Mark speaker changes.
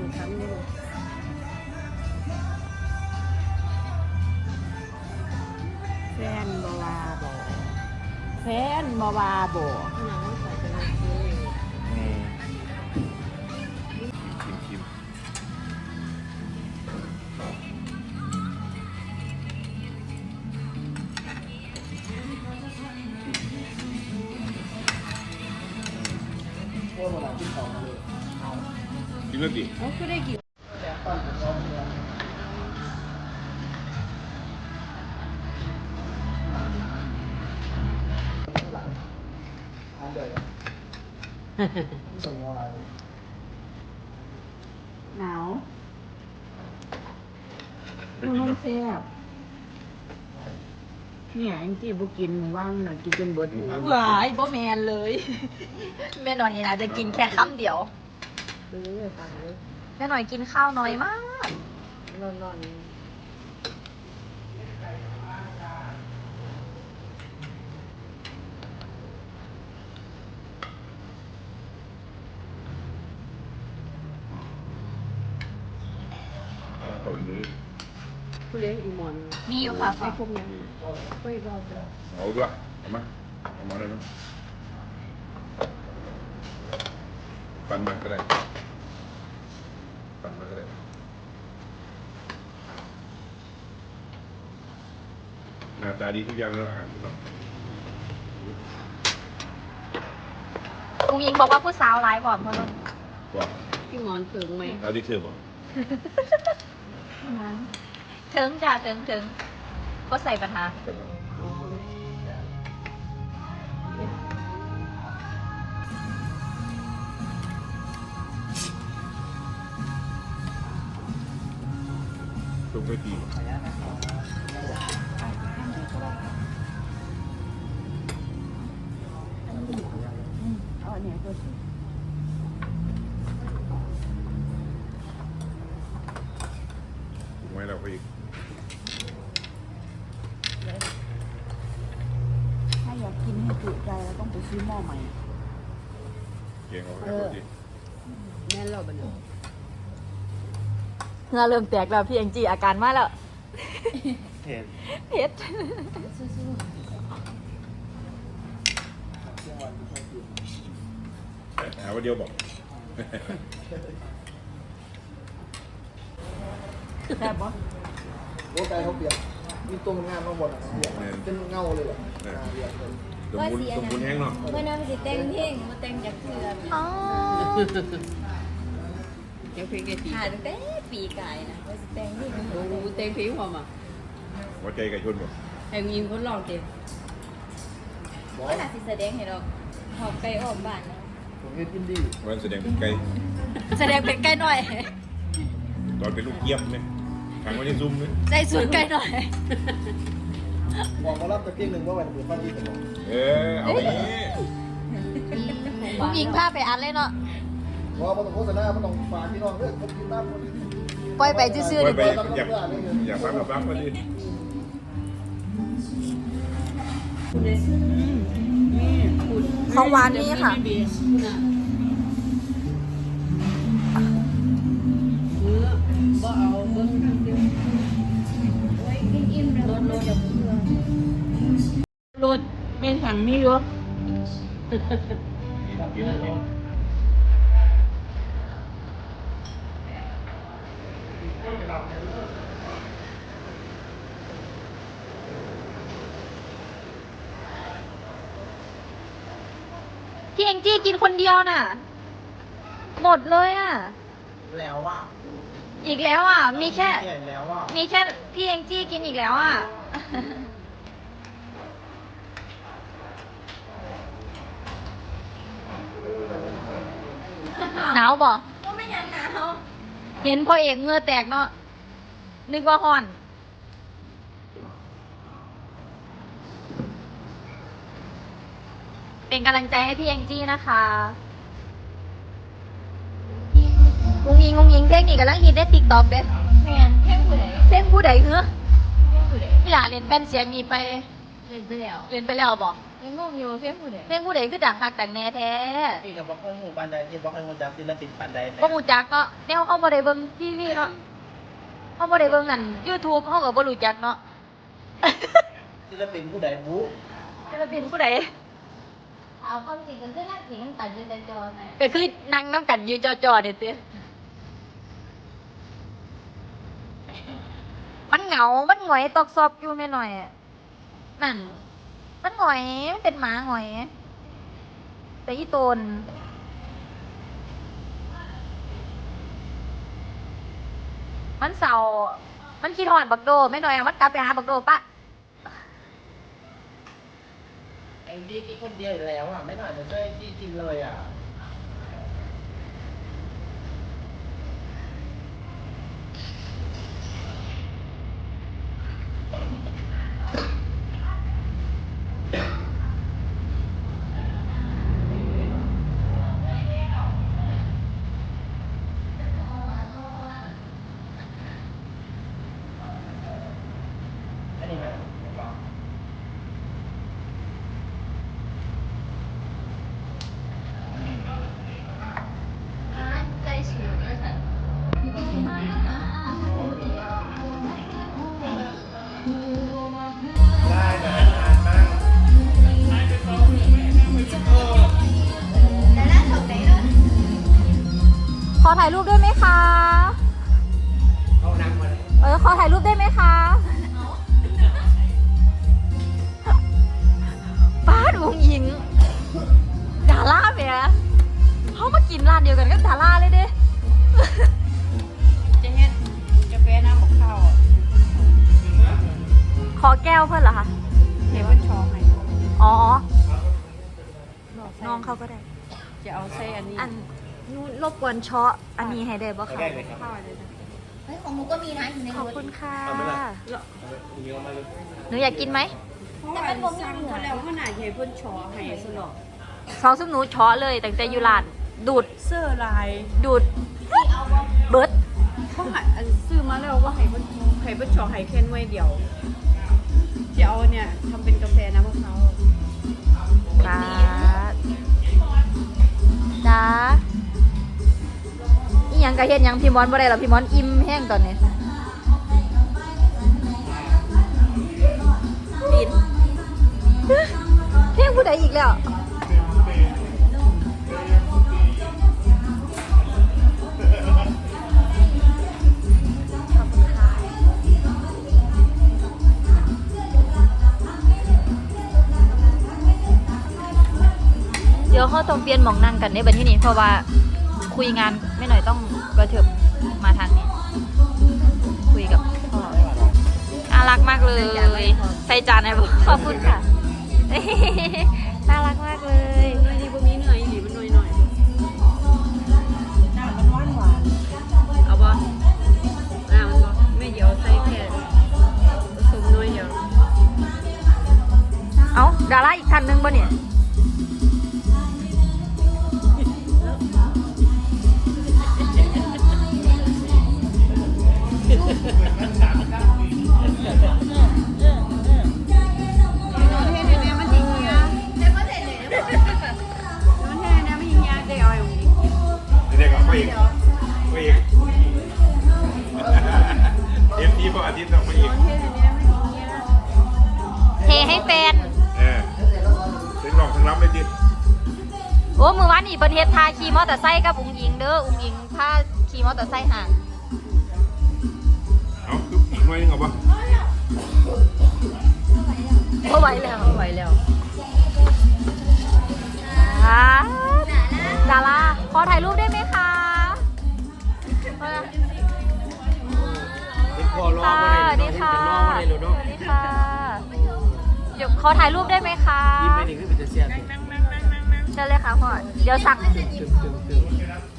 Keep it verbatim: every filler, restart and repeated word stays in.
Speaker 1: คำนี่แฟนบวาบอแฟนบวาบอขนาดนั้นใส่เป็นอะไร
Speaker 2: อืมชิมชิมกินแล้วดิ
Speaker 1: เขาก็ได้กี่หนาวมันน้องแซ่บเนี่ยแองจี้บุกินว่างหน่อยกินจนเบิด
Speaker 3: หวายบ่แมนเลย แม่หน่อยนี่นะจะกินแค่คำเดียว
Speaker 1: ไปเรื่อยๆฟังเลย
Speaker 3: แม่หน่อยกินข้าวน้อยมาก
Speaker 1: นอนนอน
Speaker 2: ตอนนี้
Speaker 1: ผู้เลี้ยงอีหมอน
Speaker 3: มีอยู่ค่ะ
Speaker 1: ไอ้พวกนั้นไม่รอดเลย
Speaker 2: เอาด้วยเอามาเอามาเลยนะปั่นมาก็ได้ปั่นมาก็ได้หน้าตาดีทุกอย่างแล้วอาหารทุกอย่าง
Speaker 3: ลุงยิงบอกว่าผู้สาวร้ายกว่าเพราะนุ่น
Speaker 2: ว่า
Speaker 1: พี่หมอนถึงไหม
Speaker 2: เอาที่เธอบอก
Speaker 1: นั้น
Speaker 3: ถึงจ้ะถึงถึงก็ใส่ปัญหา
Speaker 1: อ๋อ
Speaker 2: ตรงไปตี
Speaker 1: เอาอันเนี้ยตัวสิ
Speaker 2: ถูกไหมเราไปอีก
Speaker 1: ถ้าอยากกินให้จุใจเราต้องไปซื้อหม้อใหม่
Speaker 2: เก่งเอาให้เขาดิ
Speaker 1: แม่เราบัน
Speaker 3: เงาเริ่มแตกแล้วพี่แองจี้อาการมาแล้ว
Speaker 2: เห็น
Speaker 3: เผ็ด
Speaker 2: หาว่าเดียวบอก
Speaker 1: แซ่บปะ
Speaker 4: โอ้ไก่เขาเปียกมีตัวมันงามข้างบนอ่ะเปียกเป็นเงาเลยอ่ะเปียกเลย
Speaker 2: สมบูรณ์สมบูรณ์แห้งเนาะ
Speaker 5: เมื่อนั้นมันสิแต่งเพลงมาแต่งจากเถื่อน
Speaker 3: อ๋อ
Speaker 1: เดี๋ยวเพลงแกตี
Speaker 5: หาตั้งแต่ปีกายนะว่าสิแต่งเพลง
Speaker 1: โอ้โหเต็มเพลงพอมา
Speaker 2: หัวใจไก่ชนบอก
Speaker 1: ไอ้ยิงคนลองเต็ม
Speaker 5: ว่าน่าสิแสดงให้เราหอบไก่ออกบ้านนะ
Speaker 4: ผมเฮ็ดกินดี
Speaker 2: วันแสดงเป็นไก่
Speaker 3: แสดงเป็นใกล้หน่อย
Speaker 2: ตอนเป็นลูกเกี๊ยบเนี่ยทางวันนี้ซุ่มเนี่ย
Speaker 3: ใจสุดใกล้หน่อย
Speaker 4: บอกมารับตะเกียงหนึ่งว่าวันเปิดฟันดีสมอง
Speaker 2: เออเอาไปนี่
Speaker 3: ลุงยิงพาไปอันเลยเนาะ
Speaker 4: ว่ามันต้องโฆษณามันต้องฝากพี่น้องเด้อคนกินน้ำคน
Speaker 3: ปล่อยไปซื่อๆ
Speaker 2: ไป
Speaker 3: ดิ
Speaker 2: ไปอยากอยากฟังกับฟังมาดิ
Speaker 1: นี่คุณ
Speaker 3: ของหวานนี่ค่ะ
Speaker 1: เบียร์คุณอ่ะเนื้อบ่เอาเบิ้งทางเดียว
Speaker 5: โอ้ยกินอิ่มแล้วมันจะเบื่อ
Speaker 1: รถไม่สั่งไม่ยก
Speaker 3: พี่แองจี้กินคนเดียวน่ะ หมดเลยอ่ะ
Speaker 4: แล้วว่า
Speaker 3: อีกแล้วอ่ะ มีแค่
Speaker 4: แก่แล้วว่า
Speaker 3: มีแค่พี่แองจี้กินอีกแล้วอ่ะ หนาวบ่
Speaker 5: ก็ไม่ยังหนาว
Speaker 3: เห็นพ่อเอกเหงื่อแตกเนาะ นึกว่าฮ้อน เป็นกำลังใจให้พี่แองจี้นะคะงุงยิงงุงยิงเพลงนี้กำลังฮิตได้ติ๊กต็อกเด้
Speaker 5: แม่นแค่ผู้ใด
Speaker 3: เพลงผู้ใดเหรอ
Speaker 5: แค่ผู้ใด
Speaker 3: พี่หลาเล่นแป้นเสียงนี้ไป
Speaker 5: เล่นไปแล้ว
Speaker 3: เล่นไปแล้วบอก
Speaker 5: ยังงงอยู่เพียงผู้ใด
Speaker 3: เพลงผู้ใดคือดังคักดังแน่แท้
Speaker 4: พี่กับบอกให้หมู่บ้านใดที่บอกให้หมู่จักศิลปินปานใด
Speaker 3: บ่รู้จักเนาะแนวเขาบ่ได้เบิ่งทีวีเนาะเขาบ่ได้เบิ่งอัน YouTube เขาก็บ่รู้จักเนาะ
Speaker 4: ศิลปินผู้ใดบู๊
Speaker 3: ศิลปินผู้ใด
Speaker 5: เอาความจริงก็คือนั่งสิงตัดยืนแต่จอไง
Speaker 3: ก็คือนั่งน้ำกันยืนจอๆเนี่ยเต้มันเหงา มันหงอยตอกซอบอยู่แม่หน่อยอะนั่น มันหงอย มันเป็นหมาหงอย แต่อีโตน มันเศร้า มันคิดฮอดบักโดแม่หน่อยอะมันกลับไปหาบักโดปะ
Speaker 4: ไอ้ดีกี่คนเดียวแล้วอ่ะไม่น่าจะช่วยที่จริงเลยอ่ะอันนี้ไหม
Speaker 5: ใจสูงเลยค่ะ
Speaker 4: ได้นะทานมาก
Speaker 5: แต่น่าสนใจเนอะ
Speaker 3: ขอถ่ายรูปด้วยไหมคะ
Speaker 4: เอานั่งมาเลย
Speaker 3: เออ ขอถ่ายรูปได้ไหมคะ ป้าดวงหญิง ดาราเมียเขามากินร้านเดียวกันกับดาราเลยเด้
Speaker 1: จะเฮ็ดกาแฟน้ำบอกข้าว
Speaker 3: ขอแก้วเพื่อนเหรอคะ
Speaker 1: เห็นว่าชอให้
Speaker 3: อ๋อ น้องเขาก็ได้
Speaker 1: จะเอาใส่อันนี้
Speaker 3: อันนู้นรบกวนเชาะอันนี้ให้ได้บ่คะ
Speaker 4: ได้เลยครับ
Speaker 1: ข้าวเลยนะ
Speaker 5: เฮ้ยของหนูก็มีนะอยู่ใน
Speaker 3: ขอบ
Speaker 5: รถ
Speaker 3: คุณค่ะ
Speaker 1: แล้ว
Speaker 3: หนูอยากกินไหม
Speaker 1: เพราะว่าสั่งเขาแล้วขนาดใหญ่เพิ่นชอให้สนอก
Speaker 3: ซองซุปหนูเชาะเลยตั้งแต่อยู่ร้าน ดูด
Speaker 1: เสื้อลาย
Speaker 3: ดูด เบิร์ด
Speaker 1: เขาหาอันซื้อมาแล้วว่าให้เพิ่นให้เพิ่นชอให้แค่หน่วยเดียวจะเอาเนี่ยทำเป็นกาแฟน้ำมะพร้าว
Speaker 3: จ้าจ้าอีหยังกะเฮ็ดหยังพี่มอนบ่ได้หรอพี่มอนอิ่มแห้งตอนนี้ปิดเพลงผู้ใดอีกแล้วขอบคุณค่ะเดี๋ยวเขาต้องเปลี่ยนหมองนั่งกันในบัดที่นี้เพราะว่าคุยงานไม่หน่อยต้องกระเถิบมาทางนี้ คุยกับพ่อน่ารักมากเลยใส่จานให้บอกขอบคุณค่ะ น่ารักมากเลย
Speaker 1: อันนี้บ่มีเนื้ออีหลีมันหน่อยๆน้ำมันหวานหวานเอาบ่น้ำมันบ่ไม่เดี๋ยวใส่แค่ผสมน้อยเดียว
Speaker 3: เอ้าดาราอีกคันนึงป่ะเนี่ย
Speaker 2: เด็กๆก็ไปอีกไปอีกเอฟทีพออาทิตย์ต้องไปอีก
Speaker 3: เทให้แฟน
Speaker 2: เออถึงลองถึงรับเลยจิ
Speaker 3: โอ้มือวานนี่ประเทศทาขี่มอเตอร์ไซค์กับอุ้งอิงเด้ออุ้งอิงพาขี่มอเตอร์ไซค์ห่าง
Speaker 2: เอาคืออีกหน่อยนึงเอาปะ
Speaker 3: ก็ไหวแล้วไหวแล้วอ่าดาราขอถ่ายรูปได้ไหมคะ
Speaker 4: เป็นคอรอ
Speaker 3: ค่ะ
Speaker 4: มา
Speaker 3: สวัส
Speaker 4: ได้
Speaker 3: ดีค่ะ
Speaker 4: รอมาได้เลยเนาะ
Speaker 3: สวัสดีค่ะเดี๋ยวขอถ่ายรูปได้ไหมคะ
Speaker 4: ยิ้มไปนี่คือเป็นเสียง
Speaker 3: เชิญเลยค่ะพ่อเดี๋ยวสั่ง
Speaker 4: ตึงตึงตึง